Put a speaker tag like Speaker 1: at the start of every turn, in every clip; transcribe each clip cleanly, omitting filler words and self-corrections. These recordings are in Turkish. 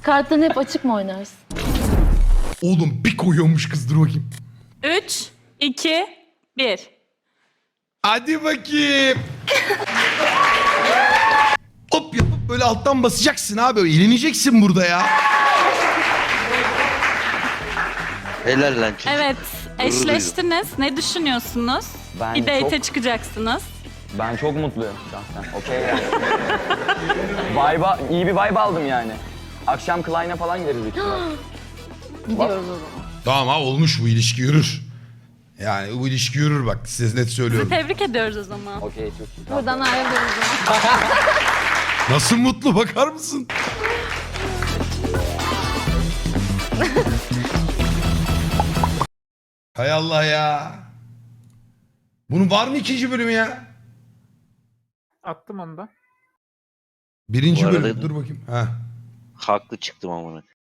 Speaker 1: Kartların hep açık mı oynarsın?
Speaker 2: Oğlum bir koyuyormuş kız, dur bakayım.
Speaker 3: 3, 2, 1.
Speaker 2: Hadi bakayım. Hop yapıp böyle alttan basacaksın abi. Eğleneceksin burada ya.
Speaker 4: Helal lan çocuk.
Speaker 3: Evet, eşleştiniz. Ne düşünüyorsunuz?
Speaker 5: Ben
Speaker 3: Bir date'e
Speaker 5: çok-
Speaker 3: çıkacaksınız.
Speaker 5: Ben çok mutluyum şahsen. Okey yani. İyi bir vibe aldım yani. Akşam Klein'e falan gideriz büyük ihtimalle.
Speaker 1: Gidiyoruz o zaman.
Speaker 2: Tamam ha, olmuş, bu ilişki yürür. Yani bu ilişki yürür bak, size net söylüyorum.
Speaker 3: Tebrik ediyoruz o zaman.
Speaker 5: Okey, çok iyi.
Speaker 1: Buradan ayrılıyoruz o zaman.
Speaker 2: Nasıl mutlu, bakar mısın? Hay Allah ya. Bunun var mı ikinci bölümü ya?
Speaker 6: Attım onu da.
Speaker 2: Birinci
Speaker 4: Bu arada-
Speaker 2: bölüm, dur bakayım. Ha.
Speaker 4: Haklı çıktım amına.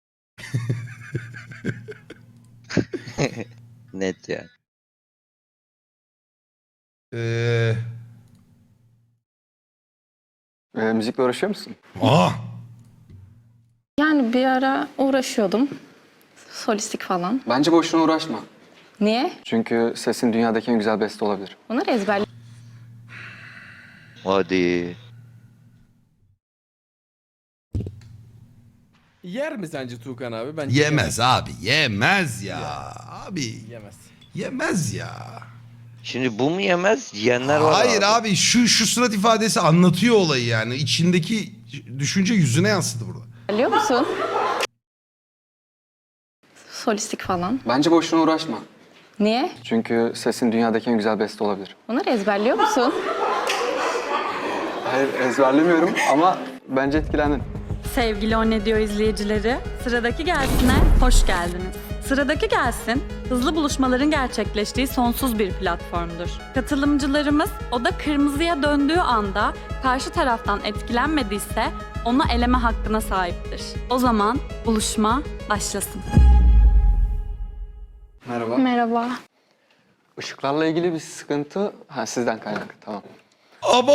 Speaker 4: Net ya.
Speaker 2: Ee...
Speaker 7: Müzikle uğraşıyor musun?
Speaker 2: Aa.
Speaker 8: Yani bir ara uğraşıyordum. Solistik falan.
Speaker 7: Bence boşuna uğraşma.
Speaker 8: Niye?
Speaker 7: Çünkü sesin dünyadaki en güzel beste olabilir.
Speaker 8: Bunları ezberledim.
Speaker 4: Hadi.
Speaker 9: Yer mi sence Tuğkan abi? Bence
Speaker 2: Yemez abi, yemez ya. Abi
Speaker 9: Yemez.
Speaker 2: yemez ya.
Speaker 4: Şimdi bu mu yemez? Yiyenler var
Speaker 2: Hayır abi, şu surat ifadesi anlatıyor olayı yani. İçindeki düşünce yüzüne yansıdı burada.
Speaker 8: Biliyor musun? Solistik falan.
Speaker 7: Bence boşuna uğraşma.
Speaker 8: Niye?
Speaker 7: Çünkü sesin dünyadaki en güzel beste olabilir.
Speaker 8: Bunları ezberliyor musun?
Speaker 7: Hayır, ezberlemiyorum ama bence etkilendin.
Speaker 3: Sevgili O Ne Diyor izleyicileri, Sıradaki Gelsin'e hoş geldiniz. Sıradaki Gelsin, hızlı buluşmaların gerçekleştiği sonsuz bir platformdur. Katılımcılarımız oda kırmızıya döndüğü anda karşı taraftan etkilenmediyse onu eleme hakkına sahiptir. O zaman buluşma başlasın.
Speaker 7: Merhaba.
Speaker 8: Merhaba.
Speaker 7: Işıklarla ilgili bir sıkıntı... Ha, sizden kaynaklı, tamam.
Speaker 2: Abo!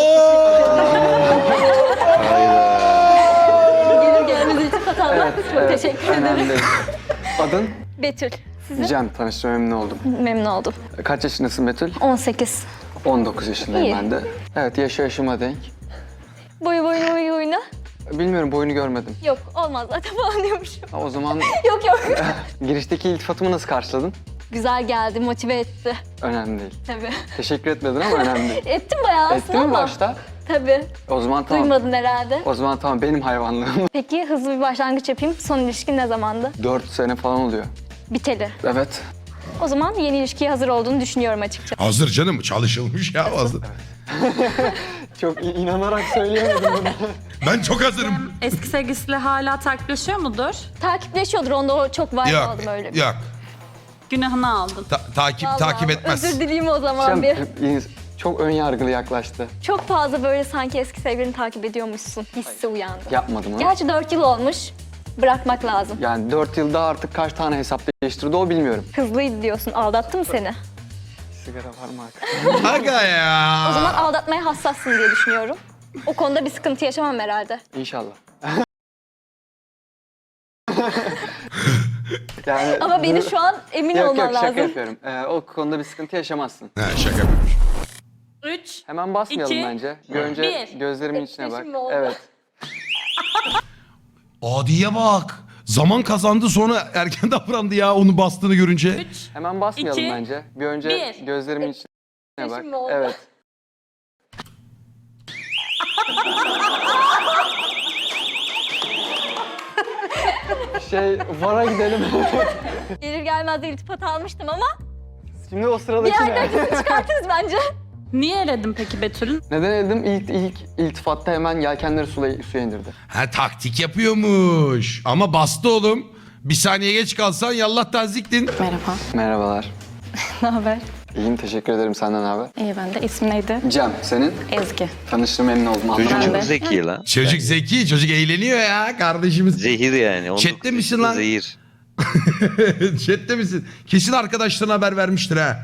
Speaker 1: Gelir gelmez iltifat almak. Çok teşekkür ederim.
Speaker 7: Önemli değil. Adın?
Speaker 1: Betül. Sizin?
Speaker 7: Cem, tanıştığıma memnun oldum.
Speaker 1: Memnun oldum.
Speaker 7: Kaç yaşındasın Betül?
Speaker 1: 18.
Speaker 7: 19 yaşındayım
Speaker 1: İyi.
Speaker 7: ben de. Evet, yaşıma denk.
Speaker 1: Boyu boyuna.
Speaker 7: Bilmiyorum, boyunu görmedim.
Speaker 1: Yok olmaz zaten falan diyormuşum.
Speaker 7: Ha, o zaman
Speaker 1: Yok yok.
Speaker 7: girişteki iltifatımı nasıl karşıladın?
Speaker 1: Güzel geldi, motive etti.
Speaker 7: Önemli değil.
Speaker 1: Tabii.
Speaker 7: Teşekkür etmedin ama önemli değil.
Speaker 1: Ettim bayağı aslında
Speaker 7: Ettin mi
Speaker 1: ama.
Speaker 7: başta?
Speaker 1: Tabii.
Speaker 7: O zaman tamam.
Speaker 1: Duymadın herhalde.
Speaker 7: O zaman tamam, benim hayvanlığım.
Speaker 1: Peki hızlı bir başlangıç yapayım. Son ilişkin ne zamandı?
Speaker 7: 4 sene falan oluyor.
Speaker 1: Biteli.
Speaker 7: Evet.
Speaker 1: O zaman yeni ilişkiye hazır olduğunu düşünüyorum açıkçası.
Speaker 2: Hazır canım, çalışılmış ya, hazır.
Speaker 7: Çok inanarak söyleyemedim bunu.
Speaker 2: Ben çok hazırım.
Speaker 3: Eski sevgilisiyle hala takipleşiyor mudur?
Speaker 1: Takipleşiyordur, onda o çok vibe
Speaker 2: Yok,
Speaker 1: aldım öyle.
Speaker 2: yok.
Speaker 3: Günahını aldın.
Speaker 2: Takip
Speaker 1: Vallahi
Speaker 2: etmez.
Speaker 1: Özür dileyim o zaman bir.
Speaker 7: Çok ön yargılı yaklaştı.
Speaker 1: Çok fazla böyle sanki eski sevgilini takip ediyormuşsun hissi uyandı.
Speaker 7: Yapmadım ha.
Speaker 1: Gerçi 4 yıl olmuş. Bırakmak lazım.
Speaker 7: Yani 4 yılda artık kaç tane hesap değiştirdi o bilmiyorum.
Speaker 1: Hızlıydı diyorsun. Aldattı mı seni?
Speaker 7: Sigara var mı?
Speaker 2: Aga ya.
Speaker 1: O zaman aldatmaya hassassın diye düşünüyorum. O konuda bir sıkıntı yaşamam herhalde.
Speaker 7: İnşallah. Yani
Speaker 1: Ama benim şu an emin
Speaker 7: Yok
Speaker 1: olmam
Speaker 7: yok, şaka
Speaker 1: lazım.
Speaker 7: yapıyorum. O konuda bir sıkıntı yaşamazsın.
Speaker 2: Ha, şaka yapıyormuş.
Speaker 3: 3,
Speaker 7: Hemen basmayalım
Speaker 3: İki,
Speaker 7: bence. Bir önce
Speaker 3: bir.
Speaker 7: gözlerimin içine bak.
Speaker 1: Etkileşim mi oldu?
Speaker 7: Evet.
Speaker 2: Adiye bak. Zaman kazandı, sonra erken davrandı ya onu bastığını görünce.
Speaker 3: 3,
Speaker 7: Hemen basmayalım
Speaker 3: İki,
Speaker 7: bence. Bir önce
Speaker 3: bir.
Speaker 7: gözlerimin içine bak.
Speaker 1: Etkileşim mi oldu?
Speaker 7: Evet. VAR'a gidelim.
Speaker 1: Gelir gelmez de iltifat almıştım ama
Speaker 7: Şimdi o
Speaker 1: bir
Speaker 7: sıradaki
Speaker 1: yerden
Speaker 7: ne?
Speaker 1: kesin çıkartırız bence.
Speaker 3: Niye eledin peki Betül'ün?
Speaker 7: Neden dedim? İlk iltifatta hemen yelkenleri suya indirdi.
Speaker 2: Ha, taktik yapıyormuş. Ama bastı oğlum. Bir saniye geç kalsan yallah taziktin.
Speaker 8: Merhaba.
Speaker 7: Merhabalar.
Speaker 8: Ne haber?
Speaker 7: İyiyim, teşekkür ederim. Senden haber?
Speaker 8: İyi ben de. İsmin neydi?
Speaker 7: Cem, senin?
Speaker 8: Ezgi.
Speaker 7: Tanıştığıma memnun oldum.
Speaker 4: Çocuk
Speaker 8: Ben
Speaker 4: çok
Speaker 8: de.
Speaker 4: zeki lan.
Speaker 2: Çocuk zeki, çocuk eğleniyor ya kardeşimiz.
Speaker 4: Zehir yani.
Speaker 2: Chat'te misin lan?
Speaker 4: Zehir.
Speaker 2: Chat'te misin? Kesin arkadaşlarına haber vermiştir ha.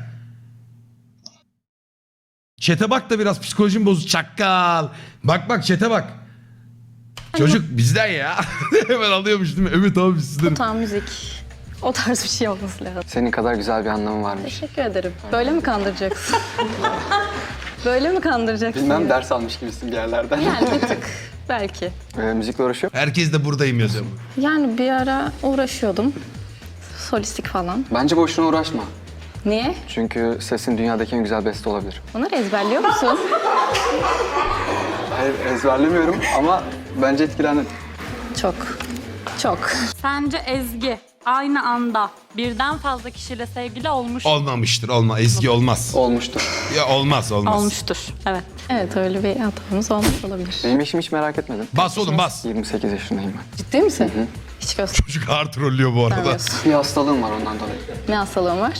Speaker 2: Chat'e bak da biraz psikolojim bozuk çakkal. Bak chat'e bak. Çocuk bizden ya. Hemen alıyormuş değil mi? Evet abi sizden.
Speaker 8: Tam müzik. O tarz bir şey olması lazım.
Speaker 7: Senin kadar güzel bir anlamı varmış.
Speaker 8: Teşekkür ederim. Böyle mi kandıracaksın? Böyle mi kandıracaksın?
Speaker 7: Bilmem ders almış gibisin bir yerlerden.
Speaker 8: Yani bir tık. Belki.
Speaker 7: Müzikle uğraşıyor.
Speaker 2: Herkes de buradayım yazıyor.
Speaker 8: Yani bir ara uğraşıyordum. Solistik falan.
Speaker 7: Bence boşuna uğraşma.
Speaker 8: Niye?
Speaker 7: Çünkü sesin dünyadaki en güzel beste olabilir.
Speaker 8: Bunları ezberliyor musun?
Speaker 7: Hayır ezberlemiyorum ama bence etkilendim.
Speaker 8: Çok. Çok.
Speaker 3: Sence Ezgi aynı anda birden fazla kişiyle sevgili olmuş
Speaker 2: Olmamıştır. Ezgi olmaz.
Speaker 7: Olmuştur.
Speaker 2: Ya olmaz.
Speaker 3: olmuştur. Evet.
Speaker 8: Evet öyle bir hatamız olmuş olabilir.
Speaker 7: Benim eşimi hiç merak etmedim.
Speaker 2: Bas oğlum bas.
Speaker 7: 28 yaşındayım ben.
Speaker 8: Ciddi misin? Hiç
Speaker 2: Çocuk ağır trollüyor bu arada.
Speaker 8: göstermiyorsun.
Speaker 7: Bir hastalığım var ondan dolayı.
Speaker 8: Ne hastalığın var?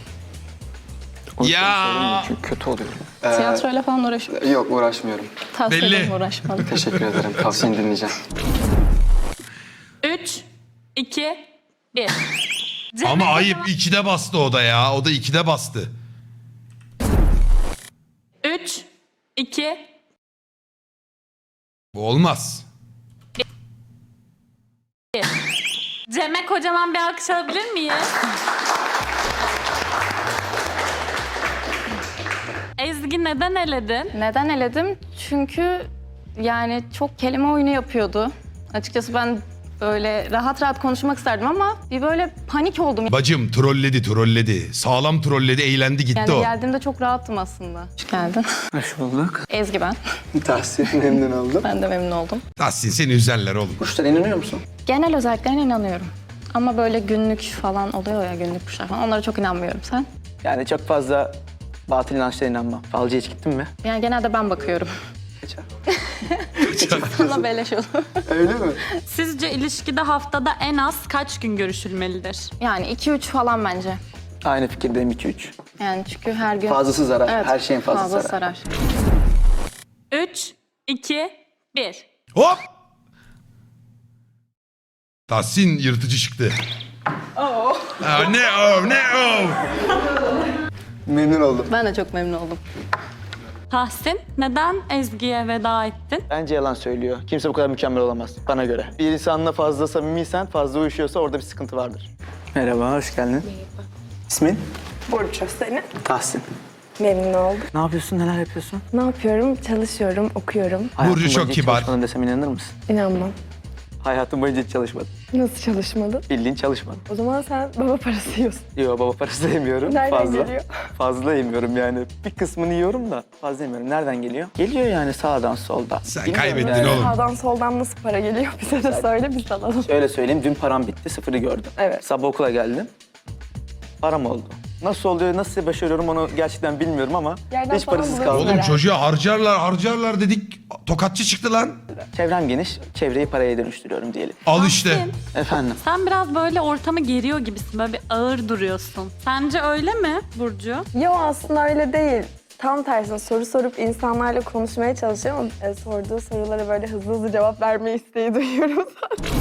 Speaker 7: O yüzden
Speaker 2: Ya.
Speaker 7: söylemiyorum çünkü kötü oluyorum.
Speaker 8: Tiyatroyla falan uğraşıyor.
Speaker 7: Yok uğraşmıyorum.
Speaker 8: Tavsiye
Speaker 2: belli.
Speaker 8: ederim uğraşmalı.
Speaker 7: Teşekkür ederim. Tavsiyeni dinleyeceğim.
Speaker 3: 3, 2, 1.
Speaker 2: Ama ayıp 2'de bastı o da ya. O da 2'de bastı.
Speaker 3: 3, 2,
Speaker 2: Bu olmaz.
Speaker 3: 1. Cem'e kocaman bir alkış alabilir miyiz? Ezgi neden eledin?
Speaker 8: Neden eledim? Çünkü yani çok kelime oyunu yapıyordu. Açıkçası ben böyle rahat rahat konuşmak isterdim ama bir böyle panik oldum.
Speaker 2: Bacım trolledi. Sağlam trolledi, eğlendi gitti
Speaker 8: Yani
Speaker 2: o.
Speaker 8: geldiğimde çok rahattım aslında. Hoş geldin.
Speaker 7: Hoş bulduk.
Speaker 8: Ezgi ben.
Speaker 7: Tahsin memnun oldum.
Speaker 8: Ben de memnun oldum.
Speaker 2: Tahsin seni üzerler oğlum.
Speaker 7: Kuşlara inanıyor musun?
Speaker 8: Genel özelliklerine inanıyorum. Ama böyle günlük falan oluyor ya, günlük kuşlar falan. Onlara çok inanmıyorum. Sen?
Speaker 10: Yani çok fazla batıl inançlara inanmam. Falcıya hiç gittin mi?
Speaker 8: Yani genelde ben bakıyorum.
Speaker 10: Geçer.
Speaker 8: Sana beleş olur.
Speaker 7: Öyle mi?
Speaker 3: Sizce ilişkide haftada en az kaç gün görüşülmelidir?
Speaker 8: Yani 2-3 falan bence.
Speaker 10: Aynı fikirdeyim 2-3.
Speaker 8: Yani çünkü her gün...
Speaker 10: Fazlası zarar.
Speaker 8: Evet,
Speaker 10: Her şeyin fazlası
Speaker 8: fazla
Speaker 10: zarar.
Speaker 8: sarar.
Speaker 3: 3, 2, 1.
Speaker 2: Hop! Tahsin yırtıcı çıktı. Ne o?
Speaker 10: Memnun oldum.
Speaker 8: Ben de çok memnun oldum.
Speaker 3: Tahsin, neden Ezgi'ye veda ettin?
Speaker 10: Bence yalan söylüyor. Kimse bu kadar mükemmel olamaz bana göre. Bir insanla fazla samimiysen, fazla uyuşuyorsa orada bir sıkıntı vardır. Merhaba, hoş geldin. Merhaba. İsmin?
Speaker 11: Burcu senin.
Speaker 10: Tahsin.
Speaker 11: Memnun oldum.
Speaker 10: Ne yapıyorsun, neler yapıyorsun?
Speaker 11: Ne yapıyorum? Çalışıyorum, okuyorum.
Speaker 2: Burcu çok
Speaker 10: boyunca hiç
Speaker 2: kibar.
Speaker 10: çalışmadın desem inanır mısın?
Speaker 11: İnanmam.
Speaker 10: Hayatım boyunca hiç çalışmadım.
Speaker 11: Nasıl çalışmadın?
Speaker 10: Bildiğin çalışmadım.
Speaker 11: O zaman sen baba parası yiyorsun.
Speaker 10: Yok baba parası da yemiyorum.
Speaker 11: Nereden
Speaker 10: fazla.
Speaker 11: geliyor?
Speaker 10: Fazla yemiyorum yani. Bir kısmını yiyorum da fazla yemiyorum. Nereden geliyor? Geliyor yani sağdan soldan.
Speaker 2: Sen
Speaker 10: Bilmiyorum
Speaker 2: kaybettin
Speaker 10: yani.
Speaker 2: oğlum.
Speaker 11: Sağdan soldan nasıl para geliyor? Bize de söyle, biz alalım.
Speaker 10: Şöyle söyleyeyim, dün param bitti, sıfırı gördüm.
Speaker 11: Evet.
Speaker 10: Sabah okula geldim, param oldu. Nasıl oluyor, nasıl başarıyorum onu gerçekten bilmiyorum ama
Speaker 11: Yerden
Speaker 10: hiç
Speaker 11: falan
Speaker 10: parasız
Speaker 11: buluyorsun
Speaker 10: kaldım.
Speaker 2: Oğlum
Speaker 11: herhalde.
Speaker 2: çocuğa harcarlar dedik. Tokatçı çıktı lan.
Speaker 10: Çevrem geniş, çevreyi paraya dönüştürüyorum diyelim.
Speaker 2: Al işte.
Speaker 3: Tahsin,
Speaker 10: Efendim,
Speaker 3: sen biraz böyle ortamı geriyor gibisin, böyle bir ağır duruyorsun. Sence öyle mi Burcu?
Speaker 11: Yo aslında öyle değil. Tam tersine soru sorup insanlarla konuşmaya çalışıyorum ama sorduğu sorulara böyle hızlı cevap verme isteği duyuyorum zaten.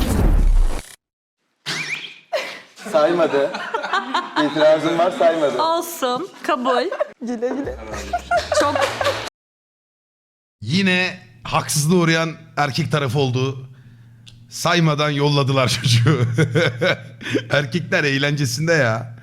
Speaker 10: saymadı. İtirazım var, saymadı.
Speaker 3: Olsun, kabul.
Speaker 11: Güle güle.
Speaker 3: Çok
Speaker 2: Yine haksızlığa uğrayan erkek tarafı oldu. Saymadan yolladılar çocuğu. Erkekler eğlencesinde ya.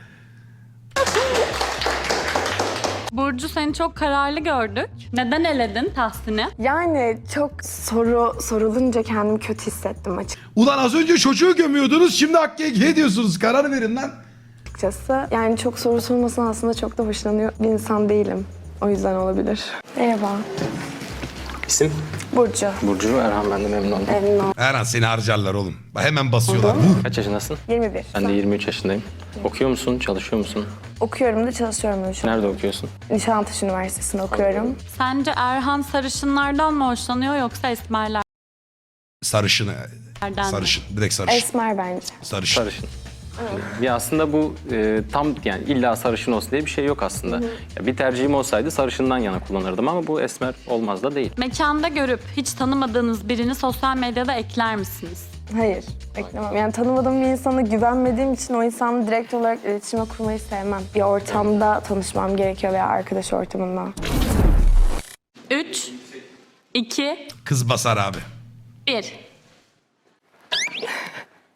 Speaker 3: Burcu, seni çok kararlı gördük. Neden eledin Tahsin'i?
Speaker 11: Yani çok soru sorulunca kendimi kötü hissettim
Speaker 2: Ulan az önce çocuğu gömüyordunuz, şimdi Hakkı'ya ediyorsunuz. Karar verin lan.
Speaker 11: açıkçası. Yani çok soru sormasına aslında çok da hoşlanıyor bir insan değilim. O yüzden olabilir. Merhaba.
Speaker 7: İsim?
Speaker 11: Burcu.
Speaker 7: Burcu Erhan, ben de memnun oldum.
Speaker 11: Memnun oldum.
Speaker 2: Her an seni harcarlar oğlum. Hemen basıyorlar.
Speaker 7: Kaç yaşındasın?
Speaker 11: 21.
Speaker 7: Ben de 23 yaşındayım. Okuyor musun, çalışıyor musun?
Speaker 11: Okuyorum da çalışıyorum da şu an.
Speaker 7: Nerede okuyorsun?
Speaker 11: Nişantaşı Üniversitesi'nde okuyorum.
Speaker 3: Sence Erhan sarışınlardan mı hoşlanıyor yoksa esmerlerden
Speaker 2: Sarışın.
Speaker 3: mi?
Speaker 2: Sarışın. Direkt sarışın.
Speaker 11: Esmer bence.
Speaker 2: Sarışın.
Speaker 7: Sarışın. Ya aslında bu tam yani illa sarışın olsun diye bir şey yok aslında. Ya bir tercihim olsaydı sarışından yana kullanırdım ama bu esmer olmaz da değil.
Speaker 3: Mekanda görüp hiç tanımadığınız birini sosyal medyada ekler misiniz?
Speaker 11: Hayır, beklemem. Yani tanımadığım bir insana güvenmediğim için o insanla direkt olarak iletişime kurmayı sevmem. Bir ortamda tanışmam gerekiyor veya arkadaş ortamında.
Speaker 3: 3, 2,
Speaker 2: Kız basar abi.
Speaker 3: 1.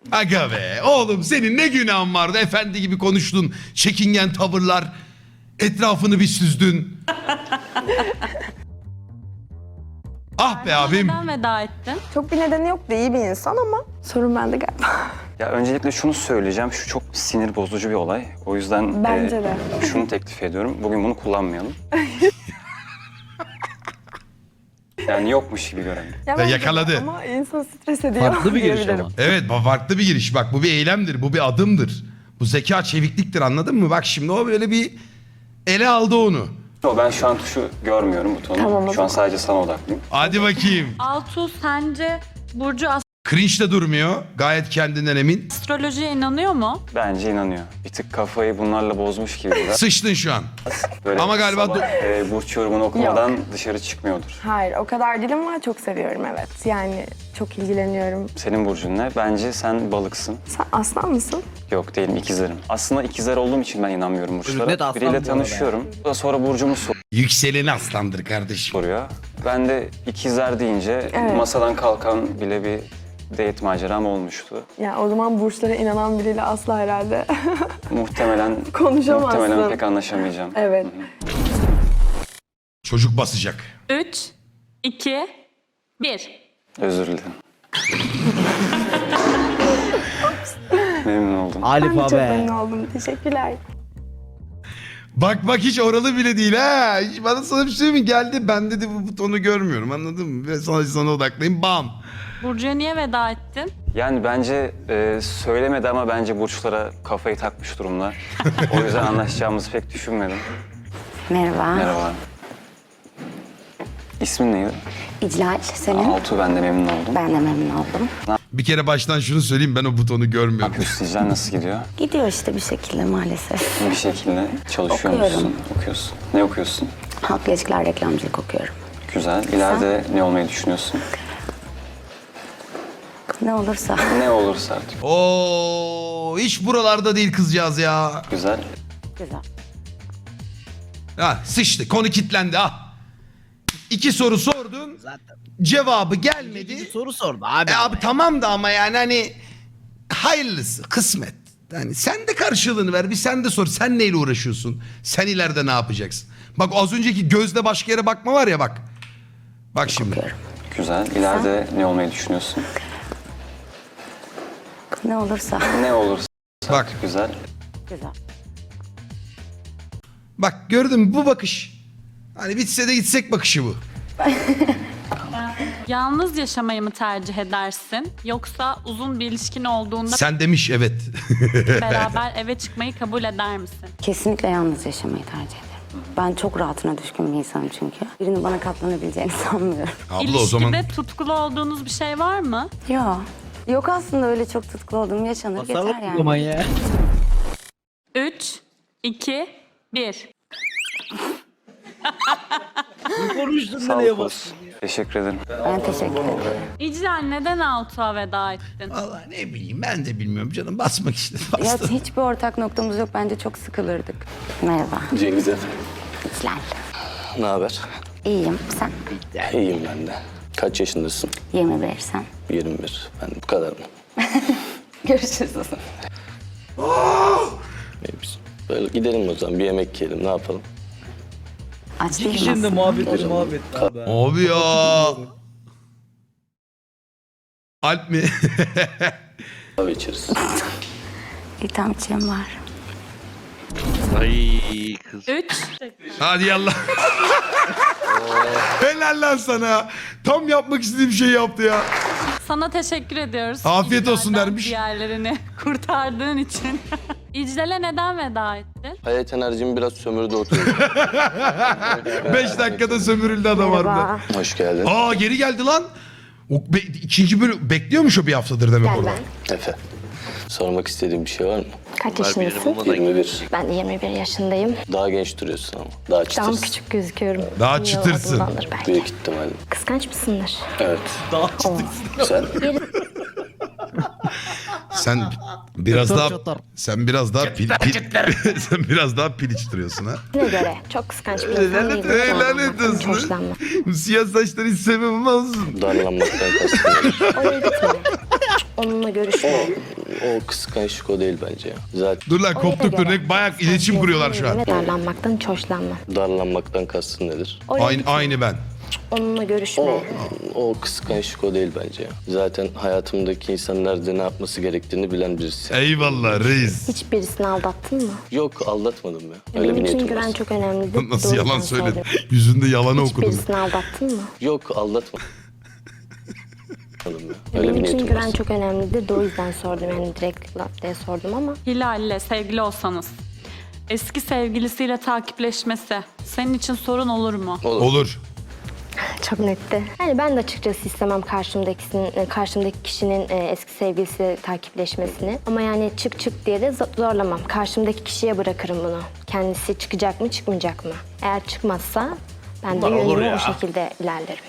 Speaker 2: Aga be oğlum senin ne günahın vardı, efendi gibi konuştun, çekingen tavırlar, etrafını bir süzdün. Ah be abim.
Speaker 3: Neden veda ettin?
Speaker 11: Çok bir nedeni yoktu, iyi bir insan ama sorun bende galiba.
Speaker 5: Ya öncelikle şunu söyleyeceğim. Şu çok sinir bozucu bir olay. O yüzden
Speaker 11: Bence de.
Speaker 5: şunu teklif ediyorum. Bugün bunu kullanmayalım. Yani yokmuş gibi görelim.
Speaker 11: Ya bence de
Speaker 2: yakaladı.
Speaker 11: ama insan stres ediyor.
Speaker 9: Farklı bir giriş
Speaker 11: diyebilirim.
Speaker 9: ama.
Speaker 2: Evet farklı bir giriş, bak bu bir eylemdir, bu bir adımdır. Bu zeka çevikliktir, anladın mı? Bak şimdi o böyle bir ele aldı onu.
Speaker 5: Ben şu an tuşu görmüyorum butonu.
Speaker 11: Tamam, o
Speaker 5: şu an
Speaker 11: zaman.
Speaker 5: sadece sana odaklıyım.
Speaker 2: Hadi bakayım.
Speaker 3: Altuğ sence Burcu
Speaker 2: Cringe de durmuyor, gayet kendinden emin.
Speaker 3: astrolojiye inanıyor mu?
Speaker 5: Bence inanıyor. Bir tık kafayı bunlarla bozmuş gibi biraz.
Speaker 2: Sıçtın şu an.
Speaker 5: Böyle
Speaker 2: Ama galiba
Speaker 5: sabah, burç yorumunu okumadan dışarı çıkmıyordur.
Speaker 11: Hayır, o kadar değil ama çok seviyorum, evet. Yani çok ilgileniyorum.
Speaker 5: Senin burcun ne? Bence sen balıksın.
Speaker 11: Sen aslan mısın?
Speaker 5: Yok değilim, ikizlerim. Aslında ikizler olduğum için ben inanmıyorum burçlara.
Speaker 9: Net aslan bu
Speaker 5: Biriyle
Speaker 9: arada
Speaker 5: tanışıyorum. Sonra burcumu
Speaker 2: Yükseleni aslandır kardeşim.
Speaker 5: soruyor. Ben de ikizler deyince
Speaker 11: Evet.
Speaker 5: masadan kalkan bile bir date maceram olmuştu.
Speaker 11: Ya o zaman burçlara inanan biriyle asla herhalde
Speaker 5: Muhtemelen
Speaker 11: konuşamazsın.
Speaker 5: pek anlaşamayacağım.
Speaker 11: Evet.
Speaker 2: Çocuk basacak.
Speaker 3: 3, 2, 1.
Speaker 5: Özür dilerim. Memnun oldum.
Speaker 11: Ben
Speaker 9: Alif
Speaker 11: de çok
Speaker 9: abi.
Speaker 11: memnun oldum. Teşekkürler.
Speaker 2: Bak hiç oralı bile değil ha. Hiç bana sana bir şey mi geldi? Ben dedi bu butonu görmüyorum, anladın mı? Ve sana odaklayayım, bam.
Speaker 3: Burcu'ya niye veda ettin?
Speaker 5: Yani bence söylemedi ama bence burçlara kafayı takmış durumda. O yüzden anlaşacağımızı pek düşünmedim.
Speaker 8: Merhaba.
Speaker 5: Merhaba. İsmin neydi?
Speaker 8: İclal, senin?
Speaker 5: Altuğ, ben de memnun oldum.
Speaker 8: Ben de memnun oldum.
Speaker 2: Bir kere baştan şunu söyleyeyim, ben o butonu görmüyorum.
Speaker 5: Üstücüler nasıl gidiyor?
Speaker 8: Gidiyor işte bir şekilde maalesef.
Speaker 5: Bir şekilde çalışıyor
Speaker 8: Okuyorum.
Speaker 5: musun? Okuyorsun. Ne okuyorsun?
Speaker 8: Halk ilişkiler reklamcılık okuyorum.
Speaker 5: Güzel. İleride ne olmayı düşünüyorsun?
Speaker 8: Ne olursa.
Speaker 5: Ne olursa artık.
Speaker 2: Oo, hiç buralarda değil kızcağız ya.
Speaker 5: Güzel.
Speaker 8: Güzel.
Speaker 2: Ha, sıçtı, konu kilitlendi ha. 2 soru sordun, cevabı gelmedi.
Speaker 9: Soru sordu abi.
Speaker 2: Abi tamam da ama yani hani hayırlısı, kısmet. Yani sen de karşılığını ver, bir sen de sor. Sen neyle uğraşıyorsun? Sen ileride ne yapacaksın? Bak az önceki gözle başka yere bakma var ya bak. Bak şimdi.
Speaker 5: Güzel. İleride ne olmayı düşünüyorsun?
Speaker 8: Ne olursa.
Speaker 5: Ne olursa.
Speaker 2: Bak.
Speaker 5: Güzel.
Speaker 8: Güzel.
Speaker 2: Bak gördün mü bu bakış? Hani bitse de gitsek bakışı bu.
Speaker 3: Yalnız yaşamayı mı tercih edersin? Yoksa uzun bir ilişkin olduğunda
Speaker 2: Sen demiş evet.
Speaker 3: beraber eve çıkmayı kabul eder misin?
Speaker 8: Kesinlikle yalnız yaşamayı tercih ederim. Ben çok rahatına düşkün bir insanım çünkü. Birinin bana katlanabileceğini sanmıyorum.
Speaker 2: Abla
Speaker 3: İlişkide
Speaker 2: o zaman
Speaker 3: tutkulu olduğunuz bir şey var mı?
Speaker 8: Yok. Yok aslında öyle çok tutkulu olduğum yaşanır
Speaker 9: Tasarruf
Speaker 8: yeter yani.
Speaker 9: zaman ya.
Speaker 3: 3, 2, 1.
Speaker 9: Konuştun
Speaker 5: Sağ
Speaker 9: nereye
Speaker 5: ol.
Speaker 9: bastın?
Speaker 5: Teşekkür ederim.
Speaker 8: Ben teşekkür ederim.
Speaker 3: İclal neden Altuğ'a veda ettin?
Speaker 2: vallahi ne bileyim ben de bilmiyorum canım, basmak işte
Speaker 8: Ya
Speaker 2: bastım.
Speaker 8: hiçbir ortak noktamız yok. Bence çok sıkılırdık. Merhaba.
Speaker 12: Cengiz efendim.
Speaker 8: İclal.
Speaker 12: Ne haber?
Speaker 8: İyiyim. Sen?
Speaker 12: İyiyim ben de. Kaç yaşındasın?
Speaker 8: 21 sen.
Speaker 12: 21. Ben bu kadar mı?
Speaker 8: Görüşürüz.
Speaker 12: Biz böyle gidelim o zaman, bir yemek yiyelim, ne yapalım?
Speaker 8: Aç değilim
Speaker 9: Şimdi
Speaker 8: aslında.
Speaker 9: muhabbet abi.
Speaker 2: Abi ya. Alp mi?
Speaker 12: Kahve içeriz.
Speaker 8: İthamçığım var.
Speaker 4: Ay kız.
Speaker 3: 3,
Speaker 2: Hadi yallah. Helal lan sana. Tam yapmak istediğim şeyi yaptı ya.
Speaker 3: sana teşekkür ediyoruz.
Speaker 2: Afiyet olsun
Speaker 3: İclal'den
Speaker 2: dermiş.
Speaker 3: Diğerlerini kurtardığın için. İclal'e neden veda ettin?
Speaker 12: Hayat enerjimi biraz sömürdü oturuyor.
Speaker 2: 5 dakikada sömürüldü adam harbiden.
Speaker 12: Hoş geldin.
Speaker 2: Aa geri geldi lan. İkinci bölüm bekliyormuş o bir haftadır demek onu.
Speaker 12: Efe. Sormak istediğim bir şey var mı?
Speaker 11: Kaç
Speaker 4: Bunlar birini
Speaker 11: yaşındasın?
Speaker 4: bulmadan
Speaker 12: 21.
Speaker 11: Ben de 21 yaşındayım.
Speaker 12: Daha genç duruyorsun ama. Daha
Speaker 11: Daha mı
Speaker 12: çıtırsın.
Speaker 11: küçük gözüküyorum?
Speaker 2: Daha
Speaker 11: Yo,
Speaker 2: çıtırsın.
Speaker 11: adımdandır belki.
Speaker 12: Büyük ihtimalle.
Speaker 11: Kıskanç mısındır?
Speaker 12: Evet. Sen?
Speaker 2: Sen biraz daha sen biraz daha piliç duruyorsun ha.
Speaker 11: Ne göre? Çok kıskanç bir insan değilim.
Speaker 2: Lanet
Speaker 11: Hiç
Speaker 2: olsun.
Speaker 11: hoşlanmam.
Speaker 2: Bu siyah saçları hiç sevmem olsun.
Speaker 12: Darlanmaktan kastım.
Speaker 11: Oraya gitme.
Speaker 12: Onunla görüşme. O kıskançlık o değil bence ya. Zaten
Speaker 2: Dur lan koptuk örnek bayağı iletişim kuruyorlar şu an.
Speaker 12: darlanmaktan hiç hoşlanmam. Darlanmaktan kastın nedir?
Speaker 2: Aynı ben.
Speaker 12: Onunla görüşme. O kıskançlık o değil bence ya. Zaten hayatımdaki insan nerede ne yapması gerektiğini bilen birisi.
Speaker 2: Eyvallah reis.
Speaker 12: Hiç birisini aldattın mı? Yok aldatmadım ya. Öyle bir niyetim var. Çok önemlidir.
Speaker 2: Nasıl yalan söyledi? Yüzünde yalanı okudum.
Speaker 12: aldattın mı? Yok aldatmadım. Öyle bir niyetim var. Çok önemlidir. O yüzden sordum. Yani direkt laf diye sordum ama.
Speaker 3: Hilal'le sevgili olsanız eski sevgilisiyle takipleşmesi senin için sorun olur mu?
Speaker 2: Olur.
Speaker 12: Çok netti. Yani ben de açıkçası istemem karşımdaki kişinin eski sevgilisiyle takipleşmesini. Ama yani çık diye de zorlamam. Karşımdaki kişiye bırakırım bunu. Kendisi çıkacak mı çıkmayacak mı? Eğer çıkmazsa ben de
Speaker 9: Bunlar olur
Speaker 12: yoluma
Speaker 9: ya.
Speaker 12: o şekilde ilerlerim.